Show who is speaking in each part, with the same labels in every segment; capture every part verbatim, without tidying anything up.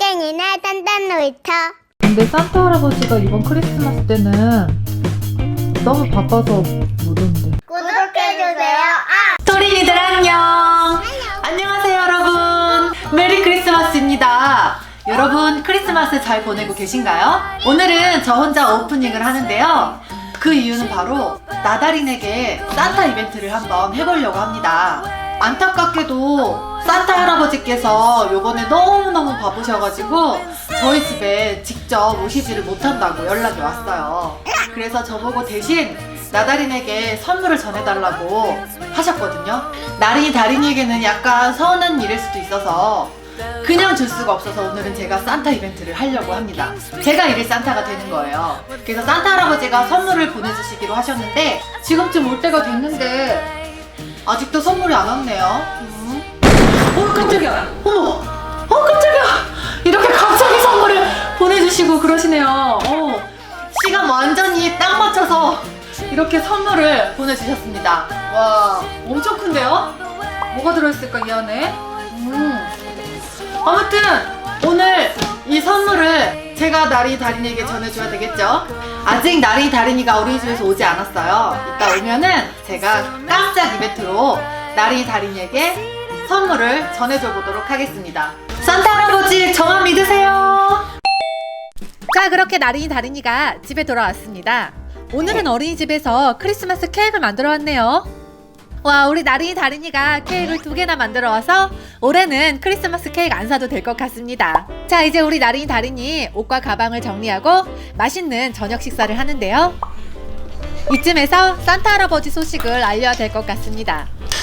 Speaker 1: 땡땡이네 단단 놀이터.
Speaker 2: 근데 산타 할아버지가 이번 크리스마스 때는 너무 바빠서 못 온대.
Speaker 1: 구독해주세요. 아!
Speaker 2: 토린이들 안녕! 안녕하세요 여러분! 메리 크리스마스입니다. 여러분 크리스마스 잘 보내고 계신가요? 오늘은 저 혼자 오프닝을 하는데요. 그 이유는 바로 나다린에게 산타 이벤트를 한번 해보려고 합니다. 안타깝게도 산타 할아버지께서 요번에 너무너무 바쁘셔가지고 저희 집에 직접 오시지를 못한다고 연락이 왔어요. 그래서 저보고 대신 나다린에게 선물을 전해달라고 하셨거든요. 나린이 다린이에게는 약간 서운한 일일 수도 있어서 그냥 줄 수가 없어서 오늘은 제가 산타 이벤트를 하려고 합니다. 제가 일일 산타가 되는 거예요. 그래서 산타 할아버지가 선물을 보내주시기로 하셨는데 지금쯤 올 때가 됐는데 아직도 선물이 안 왔네요. 음. 어 깜짝이야. 어머. 어 깜짝이야. 이렇게 갑자기 선물을 보내주시고 그러시네요. 어. 시간 완전히 딱 맞춰서 이렇게 선물을 보내주셨습니다. 와 엄청 큰데요? 뭐가 들어있을까 이 안에? 음. 아무튼 오늘 이 선물을 제가 나린이 다린이에게 전해줘야 되겠죠? 아직 나린이 다린이가 어린이집에서 오지 않았어요. 이따 오면은 제가 깜짝 이벤트로 나린이 다린이에게 선물을 전해줘 보도록 하겠습니다. 산타 할아버지 저만 믿으세요. 자, 그렇게 나린이 다린이가 집에 돌아왔습니다. 오늘은 어린이집에서 크리스마스 케이크를 만들어 왔네요. 와, 우리 나린이 다린이가 케이크를 두 개나 만들어 와서 올해는 크리스마스 케이크 안 사도 될 것 같습니다. 자, 이제 우리 나린이 다린이 옷과 가방을 정리하고 맛있는 저녁 식사를 하는데요. 이쯤에서 산타 할아버지 소식을 알려야 될 것 같습니다.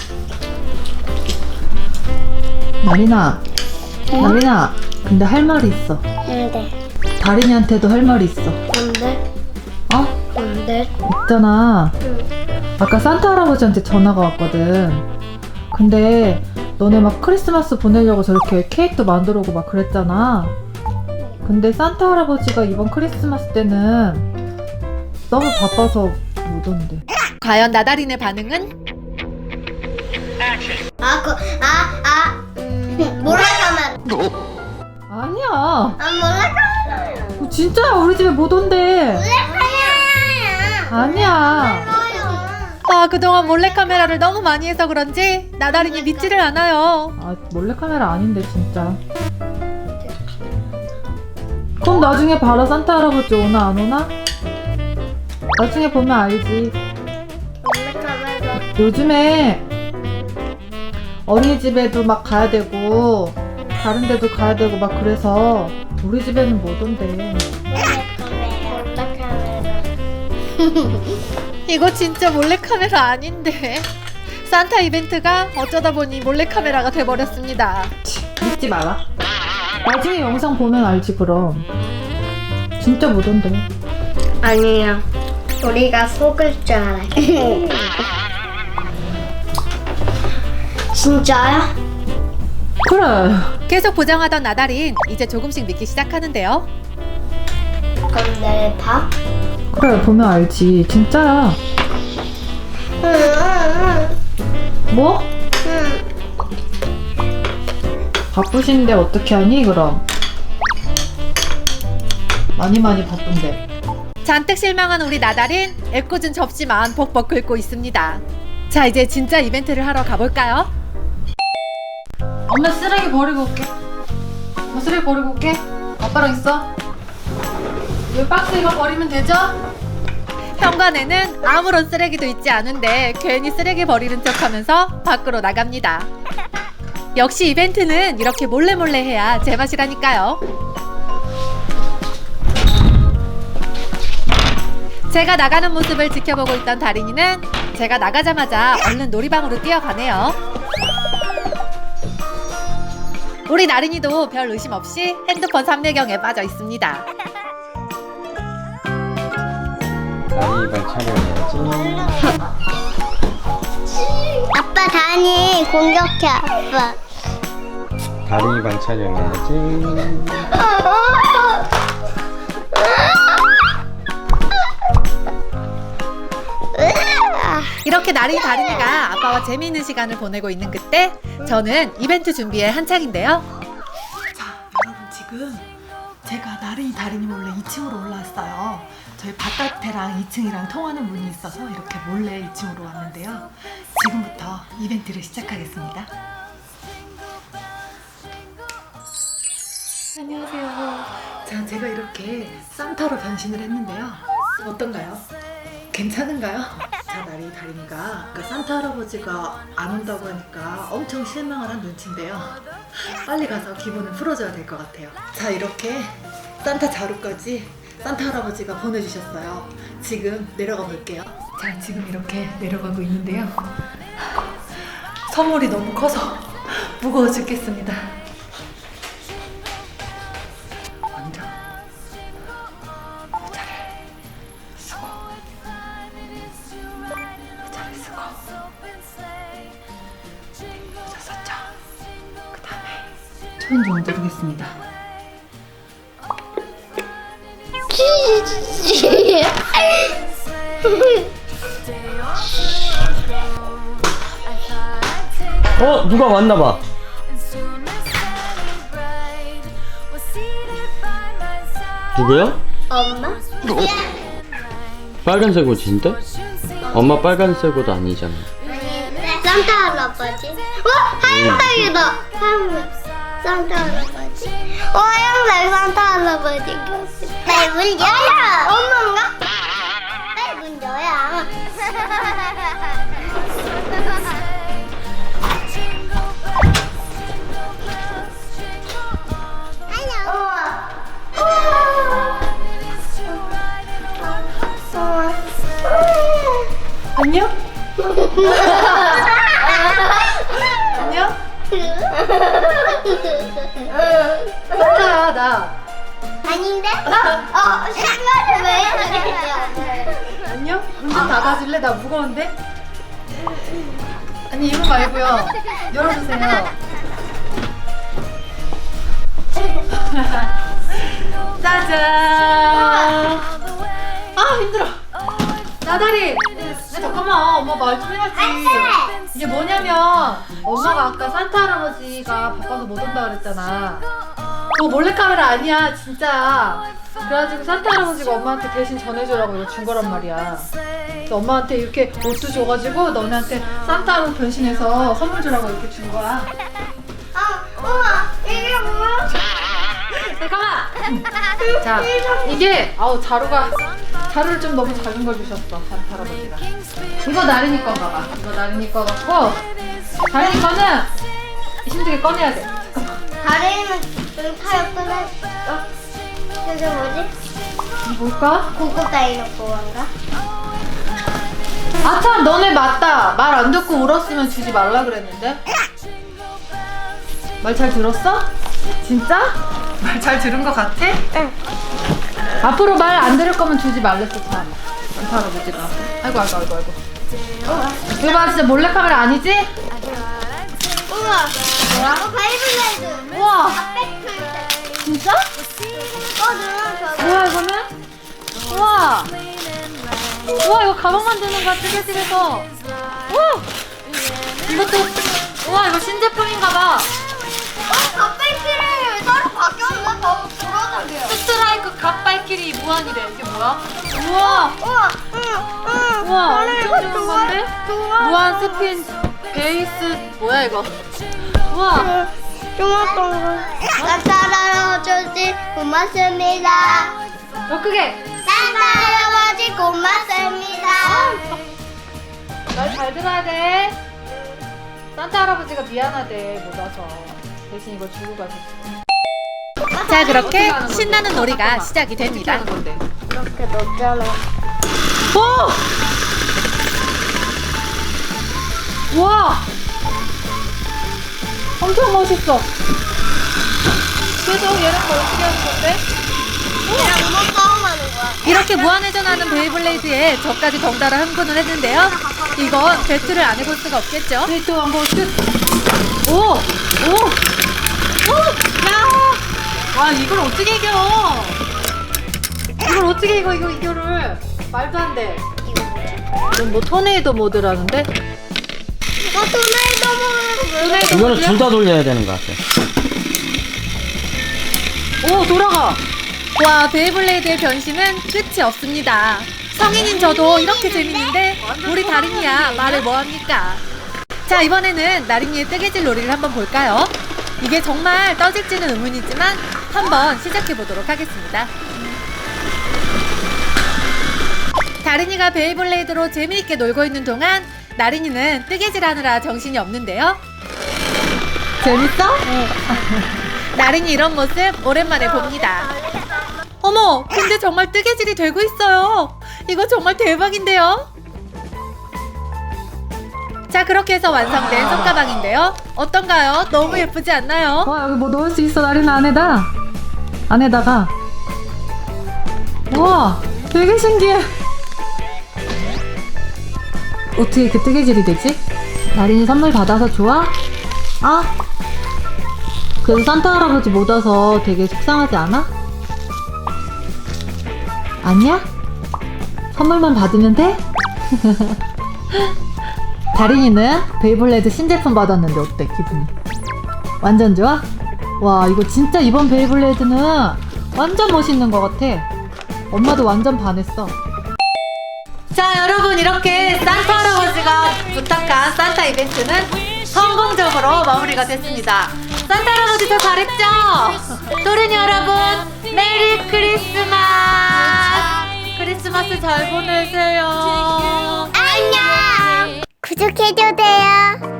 Speaker 2: 나린아, 나린아, 근데 할 말이 있어.
Speaker 1: 뭔데?
Speaker 2: 다린이한테도 할 말이 있어.
Speaker 1: 뭔데?
Speaker 2: 어?
Speaker 1: 뭔데?
Speaker 2: 있잖아.
Speaker 1: 응.
Speaker 2: 아까 산타 할아버지한테 전화가 왔거든. 근데 너네 막 크리스마스 보내려고 저렇게 케이크도 만들어 오고 막 그랬잖아. 근데 산타 할아버지가 이번 크리스마스 때는 너무 바빠서 못 온대. 과연 나다린의 반응은?
Speaker 1: 아, 그, 아, 아, 음, 몰래카메라.
Speaker 2: 아니야.
Speaker 1: 아, 몰래카메라.
Speaker 2: 어, 진짜야. 우리 집에 못 온대.
Speaker 1: 몰래카메라야.
Speaker 2: 아니야. 아, 그동안 몰래카메라를 너무 많이 해서 그런지 나다린이 믿지를 않아요. 아, 몰래카메라 아닌데 진짜. 그럼 나중에 봐라. 산타 할아버지 오나 안 오나? 나중에 보면 알지.
Speaker 1: 몰래카메라.
Speaker 2: 요즘에 어린이집에도 막 가야 되고 다른 데도 가야 되고 막 그래서 우리 집에는 못 온대.
Speaker 1: 몰래카메라.
Speaker 2: 이거 진짜 몰래카메라 아닌데. 산타 이벤트가 어쩌다 보니 몰래카메라가 돼버렸습니다. 믿지 마라. 나중에 영상 보면 알지 그럼. 진짜 못 온대.
Speaker 1: 아니야. 우리가 속을 줄 알아. 진짜야?
Speaker 2: 그래. 계속 보장하던 나다린 이제 조금씩 믿기 시작하는데요.
Speaker 1: 그럼 내일 봐?
Speaker 2: 그래, 보면 알지. 진짜야.
Speaker 1: 응, 응,
Speaker 2: 뭐?
Speaker 1: 응.
Speaker 2: 바쁘신데 어떻게 하니 그럼? 많이 많이 바쁜데. 잔뜩 실망한 우리 나다린 애꿎은 접시만 벅벅 긁고 있습니다. 자, 이제 진짜 이벤트를 하러 가볼까요? 엄마 쓰레기 버리고 올게. 엄마 쓰레기 버리고 올게. 아빠랑 있어. 이 박스 이거 버리면 되죠? 현관에는 아무런 쓰레기도 있지 않은데 괜히 쓰레기 버리는 척하면서 밖으로 나갑니다. 역시 이벤트는 이렇게 몰래몰래 해야 제맛이라니까요. 제가 나가는 모습을 지켜보고 있던 다린이는 제가 나가자마자 얼른 놀이방으로 뛰어가네요. 우리 나린이도 별 의심 없이 핸드폰 삼매경에 빠져 있습니다.
Speaker 3: 다린이발 촬영해야지.
Speaker 1: 아빠 다니 공격해 아빠.
Speaker 3: 다린이발 촬영해야지.
Speaker 2: 이렇게 나린이 다린이가 아빠와 재미있는 시간을 보내고 있는 그때 저는 이벤트 준비에 한창인데요. 자, 여러분 지금 지금 제가 나린이 다린이 몰래 이 층으로 올라왔어요. 저희 바깥에랑 이 층이랑 통하는 문이 있어서 이렇게 몰래 이 층으로 왔는데요. 지금부터 이벤트를 시작하겠습니다. 안녕하세요. 자, 제가 이렇게 산타로 변신을 했는데요. 어떤가요? 괜찮은가요? 자, 나린이 다린이가 그 산타 할아버지가 안 온다고 하니까 엄청 실망을 한 눈치인데요. 빨리 가서 기분을 풀어줘야 될 것 같아요. 자, 이렇게 산타 자루까지 산타 할아버지가 보내주셨어요. 지금 내려가 볼게요. 자, 지금 이렇게 내려가고 있는데요. 선물이 너무 커서 무거워 죽겠습니다. 먼저 모자를 쓰고 모자를 쓰고 모자 썼죠? 그 다음에 손 좀 들겠습니다.
Speaker 3: 어? 누가 왔나봐. 누구야?
Speaker 1: 엄마?
Speaker 3: 빨간색 옷인데? 엄마 빨간색 옷 아니잖아.
Speaker 1: 아닌데? 산타 할아버지? 어? 하얀색이다! 하얀색 산타 할아버지? 어, 하얀색 산타 할아버지. 네, 문 열어! 엄마인가? 네, 문 열어.
Speaker 2: 안녕? 안녕? 산타야, 나.
Speaker 1: 아닌데? 어, 신발을 왜 해주세요?
Speaker 2: 안녕? 문 좀 닫아줄래? 나 무거운데? 아니, 이거 말고요. 열어주세요. 짜잔! 아, 힘들어. 나다리! 야, 잠깐만. 엄마 말 좀 해야지. 이게 뭐냐면 엄마가 아까 산타 할아버지가 바빠서 못 온다 그랬잖아. 그거 몰래카메라 아니야, 진짜. 그래가지고 산타 할아버지가 엄마한테 대신 전해주라고 이거 준 거란 말이야. 그래서 엄마한테 이렇게 옷도 줘가지고 너네한테 산타로 변신해서 선물 주라고 이렇게 준 거야.
Speaker 1: 아, 엄마, 이게 뭐야?
Speaker 2: 잠깐만! 자, 이게 아우 자루가 자루를 좀 너무 작은 걸 주셨어, 산타 할아버지가. 이거 나린이 건가 봐. 이거 나린이 거 같고 다린이 거는 힘들게 꺼내야 돼.
Speaker 1: 다리는 좀 타협 끊었어. 그게 뭐지?
Speaker 2: 뭘까?
Speaker 1: 고고 다이노코인가?
Speaker 2: 아 참, 너네 맞다. 말 안 듣고 울었으면 주지 말라 그랬는데. 말 잘 들었어? 진짜? 말 잘 들은 거 같아?
Speaker 1: 응.
Speaker 2: 앞으로 말 안 들을 거면 주지 말랬어, 참. 산타 할아버지가. 아이고 아이고 아이고 아이고. 이거 봐, 진짜 몰래카메라 아니지?
Speaker 1: 우와. 뭐야? 어, 베이블레이드.
Speaker 2: 우와.
Speaker 1: 핫팩
Speaker 2: 진짜?
Speaker 1: 어, 누나
Speaker 2: 뭐야 이거는? 우와. 우와, 이거 가방 만드는 거야, 뜨개질해서. 우와. 이것도 우와, 이거 신제품인가 봐.
Speaker 1: 어, 핫팩이래. 따로 바뀌었네. 더 불어나게요.
Speaker 2: 스트라이크 갓발키리 무한이래. 이게 뭐야? 우와.
Speaker 1: 우와. 응, 응.
Speaker 2: 우와,
Speaker 1: 나는
Speaker 2: 엄청
Speaker 1: 이거
Speaker 2: 좋은
Speaker 1: 좋아.
Speaker 2: 건데?
Speaker 1: 좋아.
Speaker 2: 무한 스핀 베이스 뭐야 이거? 우와.
Speaker 1: 좋았던 거. 산타 할아버지 고맙습니다.
Speaker 2: 더 크게.
Speaker 1: 산타 할아버지 고맙습니다.
Speaker 2: 말 잘 들어야 돼. 산타 할아버지가 미안하대, 못 와서. 대신 이걸 주고 가셨어. 자, 그렇게 신나는 놀이가 시작이 됩니다.
Speaker 1: 이렇게 넣잖아.
Speaker 2: 오! 와! 엄청 멋있어. 그래서 얘랑 뭐 어떻게 하는 건데?
Speaker 1: 그냥 뭐 싸움하는 거야.
Speaker 2: 이렇게 무한회전하는 베이블레이드에 저까지 덩달아 흥분을 했는데요. 이건 배틀을 안 해볼 수가 없겠죠. 배틀 한번 끝. 오! 오! 오! 야! 와, 이걸 어떻게 이겨? 이걸 어떻게 이겨, 이거, 이거를. 말도 안 돼.
Speaker 1: 이거 뭐지?
Speaker 2: 이건 뭐 토네이도 모드라는데?
Speaker 1: 어, 토네이도 모드.
Speaker 2: 토네이도
Speaker 3: 이거는
Speaker 2: 모드야?
Speaker 3: 둘 다 돌려야 되는 것 같아.
Speaker 2: 오, 돌아가. 와, 베이블레이드의 변신은 끝이 없습니다. 성인인 저도 이렇게 재밌는데 우리 다린이야 말을 뭐합니까? 자, 이번에는 나린이의 뜨개질 놀이를 한번 볼까요? 이게 정말 떠질지는 의문이지만 한번 시작해 보도록 하겠습니다. 다린이가 베이블레이드로 재미있게 놀고 있는 동안 나린이는 뜨개질 하느라 정신이 없는데요. 재밌어? 나린이 이런 모습 오랜만에 봅니다. 어머, 근데 정말 뜨개질이 되고 있어요. 이거 정말 대박인데요? 자, 그렇게 해서 완성된 손가방인데요. 어떤가요? 너무 예쁘지 않나요? 와, 여기 뭐 넣을 수 있어, 나린아. 안에다. 안에다가. 우와, 되게 신기해. 어떻게 이렇게 뜨개질이 되지? 나린이 선물 받아서 좋아? 아? 그래도 산타 할아버지 못 와서 되게 속상하지 않아? 아니야? 선물만 받으면 돼? 다린이는 베이블레이드 신제품 받았는데 어때, 기분이? 완전 좋아? 와, 이거 진짜 이번 베이블레이드는 완전 멋있는 것 같아. 엄마도 완전 반했어. 자, 여러분, 이렇게 산타 할아버지가 부탁한 산타 이벤트는 성공적으로 마무리가 됐습니다. 산타 할아버지 저 잘했죠? 도련이 여러분, 메리 크리스마스! 크리스마스 잘 보내세요.
Speaker 1: 안녕. 구독해줘도 돼요.